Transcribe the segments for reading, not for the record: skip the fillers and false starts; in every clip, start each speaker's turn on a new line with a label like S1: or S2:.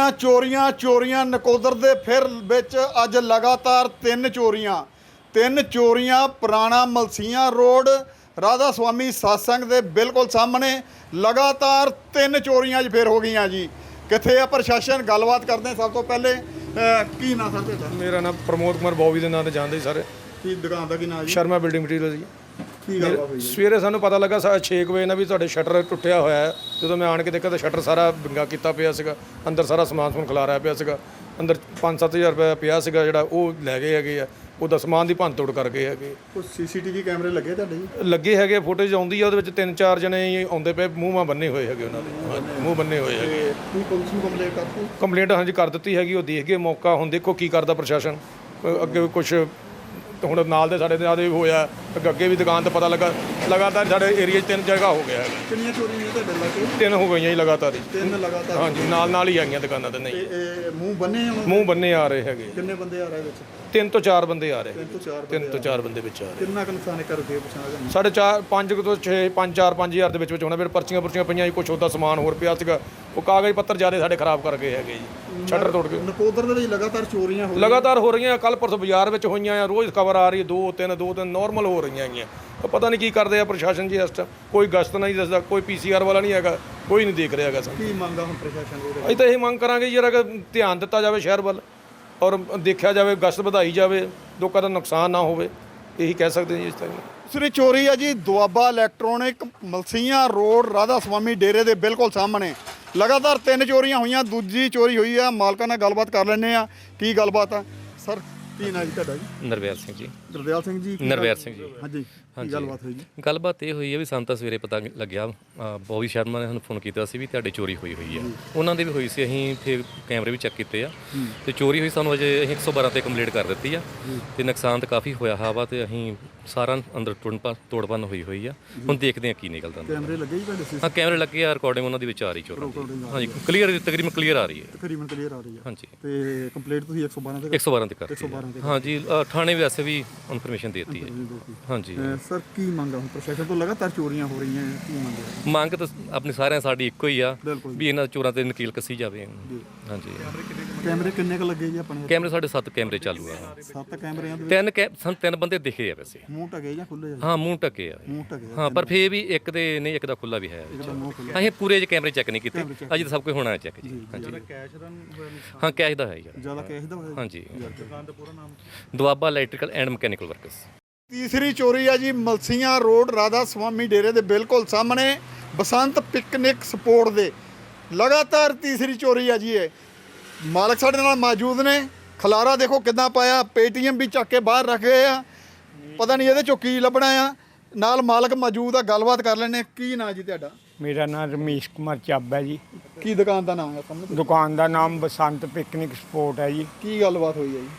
S1: ਚੋਰੀਆਂ ਨਕੋਦਰ ਦੇ ਫਿਰ ਵਿੱਚ ਅੱਜ ਲਗਾਤਾਰ ਤਿੰਨ ਚੋਰੀਆਂ ਪੁਰਾਣਾ ਮਲਸੀਆਂ ਰੋਡ ਰਾਧਾ ਸਵਾਮੀ ਸਤਸੰਗ ਦੇ ਬਿਲਕੁਲ ਸਾਹਮਣੇ ਲਗਾਤਾਰ 3 ਚੋਰੀਆਂ ਅੱਜ ਫਿਰ ਹੋ ਗਈਆਂ ਜੀ। ਕਿੱਥੇ ਆ ਪ੍ਰਸ਼ਾਸਨ? ਗੱਲਬਾਤ ਕਰਦੇ ਸਭ ਤੋਂ ਪਹਿਲੇ। ਕੀ ਨਾਂ ਸਰ ਤੁਹਾਡਾ?
S2: ਮੇਰਾ ਨਾਮ ਪ੍ਰਮੋਦ ਕੁਮਾਰ ਬੌਬੀ ਦੇ ਨਾਂ ਤੇ ਜਾਣਦੇ ਸਰ।
S1: ਕੀ ਦੁਕਾਨ ਦਾ ਕੀ ਨਾਂ ਜੀ?
S2: ਸ਼ਰਮਾ ਬਿਲਡਿੰਗ ਮਟੀਰੀਅਲ ਜੀ।
S1: ਕੀ ਗੱਲ ਹੋਈ ਜੀ?
S2: ਸਵੇਰੇ ਸਾਨੂੰ ਪਤਾ ਲੱਗਾ 6 ਵਜੇ ਨਾਲ ਵੀ ਤੁਹਾਡੇ ਸ਼ਟਰ ਟੁੱਟਿਆ ਹੋਇਆ ਹੈ। ਜਦੋਂ ਮੈਂ ਆਣ ਕੇ ਦੇਖਿਆ ਤਾਂ ਸ਼ਟਰ ਸਾਰਾ ਵਿੰਗਾ ਕੀਤਾ ਪਿਆ ਸੀਗਾ, ਅੰਦਰ ਸਾਰਾ ਸਮਾਨ ਖਿਲਾਰਿਆ ਪਿਆ ਸੀਗਾ। ਅੰਦਰ 5-7 ਹਜ਼ਾਰ ਰੁਪਏ ਪਿਆ ਸੀਗਾ ਜਿਹੜਾ ਉਹ ਲੈ ਗਏ ਹੈਗੇ ਆ। ਉਹਦਾ ਸਮਾਨ ਦੀ ਭੰਨ ਤੋੜ ਕਰ ਗਏ ਹੈਗੇ।
S1: ਕੁਝ ਸੀਸੀਟੀਵੀ ਕੈਮਰੇ ਲੱਗੇ ਤੁਹਾਡੇ ਜੀ?
S2: ਲੱਗੇ ਹੈਗੇ, ਫੁਟੇਜ ਆਉਂਦੀ ਆ ਉਹਦੇ ਵਿੱਚ 3-4 ਜਣੇ ਆਉਂਦੇ ਪਏ, ਮੂੰਹ ਬੰਨੇ ਹੋਏ ਹੈਗੇ ਉਹਨਾਂ ਦੇ, ਮੂੰਹ ਬੰਨੇ ਹੋਏ ਹੈਗੇ।
S1: ਕੀ ਪੁਲਿਸ ਨੂੰ ਕੰਪਲੇਂਟ ਕਰਤੀ?
S2: ਕੰਪਲੇਂਟ ਹਾਂਜੀ ਕਰ ਦਿੱਤੀ ਹੈਗੀ, ਉਹ ਦੇਖ ਗਏ ਮੌਕਾ। ਹੁਣ ਦੇਖੋ ਕੀ ਕਰਦਾ ਪ੍ਰਸ਼ਾਸਨ। ਅੱਗੇ ਕੁਛ ਹੁਣ ਨਾਲ ਦੇ ਸਾਡੇ ਨਾਲ ਹੋਇਆ, ਅੱਗੇ ਵੀ ਦੁਕਾਨ ਤੇ ਪਤਾ ਲੱਗਾ। ਲਗਾਤਾਰ ਸਾਡੇ ਏਰੀਆ 'ਚ 3 ਜਗ੍ਹਾ ਹੋ ਗਿਆ ਹੈ।
S1: ਕਿੰਨੀਆਂ ਚੋਰੀਆਂ ਹੋਈਆਂ ਤੁਹਾਡੇ ਇਲਾਕੇ?
S2: 3 ਹੋ ਗਈਆਂ ਜੀ ਲਗਾਤਾਰ ਹੀ।
S1: 3 ਲਗਾਤਾਰ?
S2: ਹਾਂਜੀ, ਨਾਲ ਹੀ ਆਈਆਂ ਦੁਕਾਨਾਂ ਤੇ। ਨਹੀਂ,
S1: ਇਹ ਮੂੰਹ ਬੰਨੇ
S2: ਆ ਰਹੇ ਹੈਗੇ।
S1: ਕਿੰਨੇ ਬੰਦੇ ਆ ਰਹੇ ਵਿੱਚ?
S2: 3 ਤੋਂ 4 ਬੰਦੇ ਆ ਰਹੇ।
S1: 3
S2: ਤੋਂ 4 ਬੰਦੇ ਵਿੱਚ ਆ ਰਹੇ।
S1: ਕਿੰਨਾ ਕੁ ਨੁਕਸਾਨ ਕਰਦੇ ਪਛਾਣ?
S2: 4.5 5 ਤੋਂ 6 5 ਹਜ਼ਾਰ ਦੇ ਵਿੱਚ ਹੋਣਾ। ਫਿਰ ਪਰਚੀਆਂ ਪਈਆਂ ਜੀ, ਕੁਛ ਉਹਦਾ ਸਮਾਨ ਹੋਰ ਪਿਆ ਸੀਗਾ। ਉਹ ਕਾਗਜ਼ ਪੱਤਰ ਜ਼ਿਆਦਾ ਸਾਡੇ ਖਰਾਬ ਕਰ ਗਏ ਹੈਗੇ ਜੀ, ਸ਼ਟਰ ਤੋੜ ਕੇ।
S1: ਨਕੋਦਰ ਦੇ ਵਿੱਚ ਲਗਾਤਾਰ ਚੋਰੀਆਂ
S2: ਹੋ ਰਹੀਆਂ। ਕੱਲ ਪਰਸੋਂ ਬਾਜ਼ਾਰ ਵਿੱਚ ਹੋਈਆਂ ਆ, ਰੋਜ਼ ਖਬਰ ਆ ਰਹੀ ਹੈ 2-3 ਨਾਰਮਲ ਹੋ ਰਹੀਆਂ ਹੈਗੀਆਂ। ਪਤਾ ਨਹੀਂ ਕੀ ਕਰਦੇ ਆ ਪ੍ਰਸ਼ਾਸਨ ਜੀ। ਇਸ ਟਾਈਮ ਕੋਈ ਗਸ਼ਤ ਨਹੀਂ ਦੱਸਦਾ, ਕੋਈ PCR ਵਾਲਾ ਨਹੀਂ ਹੈਗਾ, ਕੋਈ ਨਹੀਂ ਦੇਖ ਰਿਹਾ ਹੈਗਾ।
S1: ਕੀ ਮੰਗਾ ਹੁਣ ਪ੍ਰਸ਼ਾਸਨ ਦੇ?
S2: ਅਸੀਂ ਤਾਂ ਇਹ ਮੰਗ ਕਰਾਂਗੇ ਯਾਰ ਕਿ ਧਿਆਨ ਦਿੱਤਾ ਜਾਵੇ ਸ਼ਹਿਰ ਵੱਲ, ਔਰ ਦੇਖਿਆ ਜਾਵੇ, ਗਸ਼ਤ ਵਧਾਈ ਜਾਵੇ, ਲੋਕਾਂ ਦਾ ਨੁਕਸਾਨ ਨਾ ਹੋਵੇ। ਇਹੀ ਕਹਿ ਸਕਦੇ ਜੀ ਇਸ ਤਰ੍ਹਾਂ।
S1: ਦੂਸਰੀ ਚੋਰੀ ਆ ਜੀ ਦੁਆਬਾ ਇਲੈਕਟ੍ਰੋਨਿਕ ਮਲਸੀਆਂ ਰੋਡ ਰਾਧਾ ਸਵਾਮੀ ਡੇਰੇ ਦੇ ਬਿਲਕੁਲ ਸਾਹਮਣੇ ਲਗਾਤਾਰ 3 ਚੋਰੀਆਂ ਹੋਈਆਂ। ਦੂਜੀ ਚੋਰੀ ਹੋਈ ਆ, ਮਾਲਕਾਂ ਨਾਲ ਗੱਲਬਾਤ ਕਰ ਲੈਂਦੇ ਆ। ਕੀ ਗੱਲਬਾਤ ਆ ਸਰ? ਕੀ ਨਾਂ ਜੀ ਤੁਹਾਡਾ ਜੀ?
S3: ਨਰਵੈਲ ਸਿੰਘ ਜੀ।
S1: ਗੁਰਦਿਆਲ ਸਿੰਘ ਜੀ?
S3: ਨਰਵੈਲ ਸਿੰਘ ਜੀ।
S1: ਹਾਂਜੀ, ਕੀ ਗੱਲਬਾਤ ਹੋਈ ਜੀ?
S3: ਗੱਲਬਾਤ ਇਹ ਹੋਈ ਹੈ ਵੀ ਸਾਨੂੰ ਤਾਂ ਸਵੇਰੇ ਪਤਾ ਲੱਗਿਆ, ਬੌਬੀ ਸ਼ਰਮਾ ਨੇ ਸਾਨੂੰ ਫੋਨ ਕੀਤਾ ਸੀ ਵੀ ਤੁਹਾਡੇ ਚੋਰੀ ਹੋਈ ਆ। ਉਹਨਾਂ ਦੀ ਵੀ ਹੋਈ ਸੀ। ਅਸੀਂ ਫਿਰ ਕੈਮਰੇ ਵੀ ਚੈੱਕ ਕੀਤੇ ਆ ਤੇ ਚੋਰੀ ਹੋਈ ਸਾਨੂੰ ਅਜੇ ਅਸੀਂ 112 ਤੇ ਕੰਪਲੇਂਟ ਕਰ ਦਿੱਤੀ ਆ ਤੇ ਨੁਕਸਾਨ ਤਾਂ ਕਾਫੀ ਹੋਇਆ ਵਾ ਤੇ ਅਸੀਂ ਸਾਰਾ ਅੰਦਰ ਤੋੜਪੰਨ ਹੋਈ ਆ। ਹੁਣ ਦੇਖਦੇ ਆ ਕੀ ਨਿਕਲਦਾ।
S1: ਕੈਮਰੇ ਲੱਗੇ ਜੀ ਤੁਹਾਡੇ?
S3: ਹਾਂ, ਕੈਮਰੇ ਲੱਗੇ ਆ, ਰਿਕਾਰਡਿੰਗ ਉਹਨਾਂ ਦੀ ਵਿੱਚ ਆ ਰਹੀ ਚੋਰਾਂ ਦੀ। ਹਾਂਜੀ, ਕਲੀਅਰ, ਤਕਰੀਬਨ ਕਲੀਅਰ ਆ ਰਹੀ ਹੈ।
S1: ਤਕਰੀਬਨ ਕਲੀਅਰ ਆ ਰਹੀ ਹੈ।
S3: ਹਾਂਜੀ,
S1: ਤੇ ਕੰਪਲੇਂਟ ਤੁਸੀਂ 112 ਤੇ?
S3: 112 ਤੇ ਕਰਤੀ। ਹਾਂਜੀ, ਥਾਣੇ ਵੈਸੇ ਵੀ ਇਨਫੋਰਮੇਸ਼ਨ ਦੇ ਦਿੱਤੀ ਹੈ। ਹਾਂਜੀ
S1: ਸਰ, ਕੀ ਮੰਗਾ ਹੁਣ ਪ੍ਰਸ਼ਾਸਨ ਤੋਂ? ਲਗਾਤਾਰ ਚੋਰੀਆਂ ਹੋ ਰਹੀਆਂ, ਕੀ ਮੰਗਿਆ?
S3: ਮੰਗ ਤਾਂ ਆਪਣੀ ਸਾਰਿਆਂ ਸਾਡੀ ਇੱਕੋ ਹੀ ਆ ਵੀ ਇਹਨਾਂ ਚੋਰਾਂ ਤੇ ਨਕੀਲ ਕੱਸੀ ਜਾਵੇ। ਹਾਂਜੀ।
S1: ਕੈਮਰੇ ਕਿੰਨੇ ਕ ਲੱਗੇ ਜੀ ਆਪਣੇ?
S3: ਕੈਮਰੇ ਸਾਡੇ 7 ਕੈਮਰੇ ਚਾਲੂ ਆ।
S1: 7 ਕੈਮਰਿਆਂ ਦੇ
S3: ਸਾਨੂੰ 3 ਬੰਦੇ ਦਿਖੇ ਆ ਵੈਸੇ।
S1: ਮੂੰਹ ਢਕੇ ਜਾਂ ਖੁੱਲੇ?
S3: ਹਾਂ, ਮੂੰਹ ਢਕੇ ਆ। ਹਾਂ, ਪਰ ਫੇਰ ਵੀ ਇੱਕ ਦੇ ਨਹੀਂ, ਇੱਕ ਦਾ ਖੁੱਲਾ ਵੀ ਹੈ। ਅਸੀਂ ਪੂਰੇ ਜੇ ਕੈਮਰੇ ਚੈੱਕ ਨਹੀਂ ਕੀਤੇ, ਅਜੇ ਤਾਂ ਸਭ ਕੁਝ ਹੋਣਾ ਚੈੱਕ ਜੀ। ਹਾਂਜੀ, ਹਾਂ, ਕੈਸ਼ ਦਾ ਹੈ ਯਾਰ।
S1: ਜ਼ਿਆਦਾ ਕੈਸ਼ ਦਾ ਹੋਇਆ?
S3: ਹਾਂਜੀ। Doaba electrical and mechanical works.
S1: ਤੀਸਰੀ ਚੋਰੀ ਆ ਜੀ ਮਲਸੀਆਂ ਰੋਡ ਰਾਧਾ ਸਵਾਮੀ ਡੇਰੇ ਦੇ ਬਿਲਕੁਲ ਸਾਹਮਣੇ ਬਸੰਤ ਪਿਕਨਿਕ ਸਪੋਰਟ ਦੇ ਲਗਾਤਾਰ ਤੀਸਰੀ ਚੋਰੀ ਆ ਜੀ। ਇਹ ਮਾਲਕ ਸਾਡੇ ਨਾਲ ਮੌਜੂਦ ਨੇ। ਖਲਾਰਾ ਦੇਖੋ ਕਿੱਦਾਂ ਪਾਇਆ, ਪੇਟੀਐਮ ਵੀ ਚੱਕ ਕੇ ਬਾਹਰ ਰੱਖ ਗਏ ਆ। ਪਤਾ ਨਹੀਂ ਇਹਦੇ ਚੋਂ ਕੀ ਲੱਭਣਾ ਆ। ਨਾਲ ਮਾਲਕ ਮੌਜੂਦ ਆ, ਗੱਲਬਾਤ ਕਰ ਲੈਣੇ। ਕੀ ਨਾਂ ਜੀ ਤੁਹਾਡਾ?
S4: ਮੇਰਾ ਨਾਮ ਰਮੇਸ਼ ਕੁਮਾਰ ਚੱਬ ਹੈ ਜੀ।
S1: ਕੀ ਦੁਕਾਨ ਦਾ ਨਾਮ ਹੈ ਤੁਹਾਨੂੰ?
S4: ਦੁਕਾਨ ਦਾ ਨਾਮ ਬਸੰਤ ਪਿਕਨਿਕ ਸਪੋਰਟ ਹੈ ਜੀ।
S1: ਕੀ ਗੱਲਬਾਤ ਹੋਈ ਹੈ ਜੀ?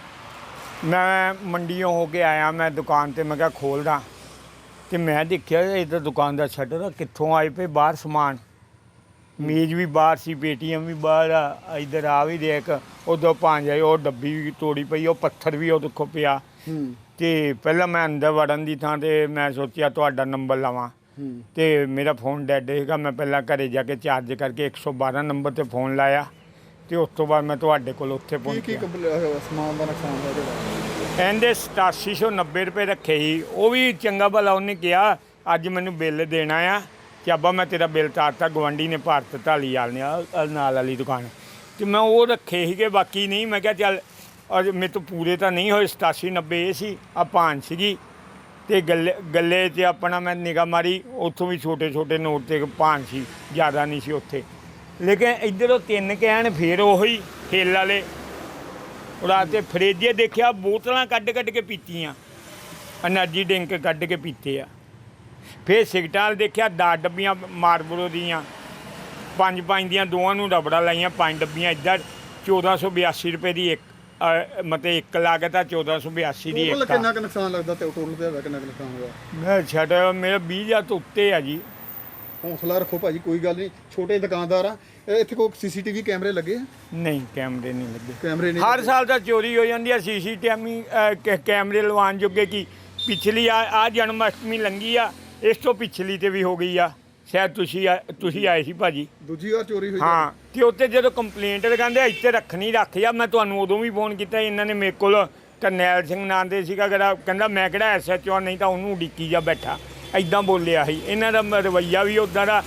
S4: ਮੈਂ ਮੰਡੀੋਂ ਹੋ ਕੇ ਆਇਆ, ਮੈਂ ਦੁਕਾਨ ਤੇ ਮੈਂ ਕਿਹਾ ਖੋਲ੍ਹਦਾ ਤੇ ਮੈਂ ਦੇਖਿਆ ਇਹ ਤਾਂ ਦੁਕਾਨ ਦਾ ਸ਼ਟਰ ਕਿੱਥੋਂ ਆਏ ਪਏ ਬਾਹਰ ਸਮਾਨ। ਮੇਜ਼ ਵੀ ਬਾਹਰ ਸੀ, ਪੇਟੀਐਮ ਵੀ ਬਾਹਰ ਆ, ਇੱਧਰ ਆ ਵੀ ਦੇਖ, ਉਦੋਂ ਭਾਂਜ ਆਏ, ਉਹ ਡੱਬੀ ਵੀ ਤੋੜੀ ਪਈ, ਉਹ ਪੱਥਰ ਵੀ ਉਹ ਦੇਖੋ ਪਿਆ। ਤੇ ਪਹਿਲਾਂ ਮੈਂ ਅੰਦਰ ਵੜਨ ਦੀ ਥਾਂ ਤੇ ਮੈਂ ਸੋਚਿਆ ਤੁਹਾਡਾ ਨੰਬਰ ਲਵਾਂ ਤੇ ਮੇਰਾ ਫੋਨ ਡੈਡ ਸੀਗਾ। ਮੈਂ ਪਹਿਲਾਂ ਘਰੇ ਜਾ ਕੇ ਚਾਰਜ ਕਰਕੇ 112 ਨੰਬਰ ਤੇ ਫੋਨ ਲਾਇਆ ਤੇ ਉਸ ਤੋਂ ਬਾਅਦ ਮੈਂ ਤੁਹਾਡੇ ਕੋਲ ਉੱਥੇ ਪਹੁੰਚਿਆ।
S1: ਸਮਾਨ ਦਾ ਨੁਕਸਾਨ ਹੋਇਆ?
S4: ਇਹਦੇ 8790 ਰੁਪਏ ਰੱਖੇ ਸੀ। ਉਹ ਵੀ ਚੰਗਾ ਭਲਾ ਉਹਨੇ ਕਿਹਾ ਅੱਜ ਮੈਨੂੰ ਬਿੱਲ ਦੇਣਾ ਆ ਕਿ ਅੱਬਾ ਮੈਂ ਤੇਰਾ ਬਿੱਲ ਤਾਰਤਾ, ਗਵਾਂਢੀ ਨੇ ਭਾਰਤ ਢਾਲੀਵਾਲ ਨੇ ਨਾਲ ਵਾਲੀ ਦੁਕਾਨ, ਤੇ ਮੈਂ ਉਹ ਰੱਖੇ ਸੀਗੇ, ਬਾਕੀ ਨਹੀਂ। ਮੈਂ ਕਿਹਾ ਚੱਲ ਅੱਜ ਮੇਰੇ ਤੋਂ ਪੂਰੇ ਤਾਂ ਨਹੀਂ ਹੋਏ। 8790 ਇਹ ਸੀ, ਆ ਭਾਨ ਸੀਗੀ ਤੇ ਗੱਲੇ 'ਚ ਆਪਣਾ ਮੈਂ ਨਿਗਾਹ ਮਾਰੀ, ਉੱਥੋਂ ਵੀ ਛੋਟੇ ਛੋਟੇ ਨੋਟ ਤੇ ਭਾਨ ਸੀ, ਜ਼ਿਆਦਾ ਨਹੀਂ ਸੀ ਉੱਥੇ। ਲੇਕਿਨ ਇੱਧਰੋਂ 3 ਕੈਨ ਫੇਰ ਉਹੀ ਖੇਲ ਵਾਲੇ ਰਾਤੇ ਫਰਿੱਜ ਦੇਖਿਆ, ਬੋਤਲਾਂ ਕੱਢ ਕੇ ਪੀਤੀਆਂ, ਐਨਰਜੀ ਡਰਿੰਕ ਕੱਢ ਕੇ ਪੀਤੇ ਆ। ਫਿਰ ਸਿਗਰਟਾਂ ਵਾਲ ਦੇਖਿਆ 10 ਡੱਬੀਆਂ ਮਾਰਬਲੋ ਦੀਆਂ, 5 ਦੀਆਂ, ਦੋਵਾਂ ਨੂੰ ਰਬੜਾ ਲਾਈਆਂ 5 ਡੱਬੀਆਂ। ਇੱਧਰ 1482 ਰੁਪਏ ਦੀ ਇੱਕ, ਮਤਲਬ ਇੱਕ ਲਾਗਤ ਆ 1482 ਦੀ ਇੱਕ।
S1: ਕਿੰਨਾ ਕੁ ਨੁਕਸਾਨ ਲੱਗਦਾ ਤੇ ਟੋਟਲ ਤੇ ਕਿੰਨਾ ਕੁ ਨੁਕਸਾਨ ਹੋਇਆ?
S4: ਮੈਂ ਛੱਡ ਮੇਰਾ 20,000 ਤੋਂ ਉੱਤੇ ਆ ਜੀ।
S1: ਹੌਸਲਾ ਰੱਖੋ ਭਾਜੀ, ਕੋਈ ਗੱਲ ਨਹੀਂ, ਛੋਟੇ ਦੁਕਾਨਦਾਰ ਆ। ਇੱਥੇ ਕੋਈ ਸੀਸੀਟੀਵੀ ਕੈਮਰੇ ਲੱਗੇ ਆ?
S4: ਨਹੀਂ, ਕੈਮਰੇ ਨਹੀਂ ਲੱਗੇ।
S1: ਕੈਮਰੇ ਨਹੀਂ?
S4: ਹਰ ਸਾਲ ਤਾਂ ਚੋਰੀ ਹੋ ਜਾਂਦੀ ਆ। ਸੀਸੀਟੀਵੀ ਕੈਮਰੇ ਲਵਾਉਣ ਜੋਗੇ ਕੀ ਪਿਛਲੀ ਆ ਜਨਮ ਅਸ਼ਟਮੀ ਲੰਘੀ ਆ, ਇਸ ਤੋਂ ਪਿਛਲੀ ਤੇ ਵੀ ਹੋ ਗਈ ਆ। ਸ਼ਾਇਦ ਤੁਸੀਂ ਆਏ ਸੀ ਭਾਜੀ।
S1: ਦੂਜੀ ਵਾਰ ਚੋਰੀ ਹੋਈ?
S4: ਹਾਂ, ਤੇ ਉੱਤੇ ਜਦੋਂ ਕੰਪਲੇਂਟ ਲਗਾਉਂਦੇ ਇੱਥੇ ਰੱਖਣੀ ਰੱਖ ਜਾ। ਮੈਂ ਤੁਹਾਨੂੰ ਉਦੋਂ ਵੀ ਫੋਨ ਕੀਤਾ, ਇਹਨਾਂ ਨੇ ਮੇਰੇ ਕੋਲ ਕਰਨੈਲ ਸਿੰਘ ਨਾਂ ਦੇ ਸੀਗਾ ਕਹਿੰਦਾ ਮੈਂ ਕਿਹੜਾ SHO ਨਹੀਂ ਤਾਂ ਉਹਨੂੰ ਉਡੀਕੀ ਜਾ ਬੈਠਾ, ਐਦਾਂ ਬੋਲਿਆ ਸੀ। ਇਹਨਾਂ ਦਾ ਰਵੱਈਆ ਵੀ ਉੱਦਾਂ ਦਾ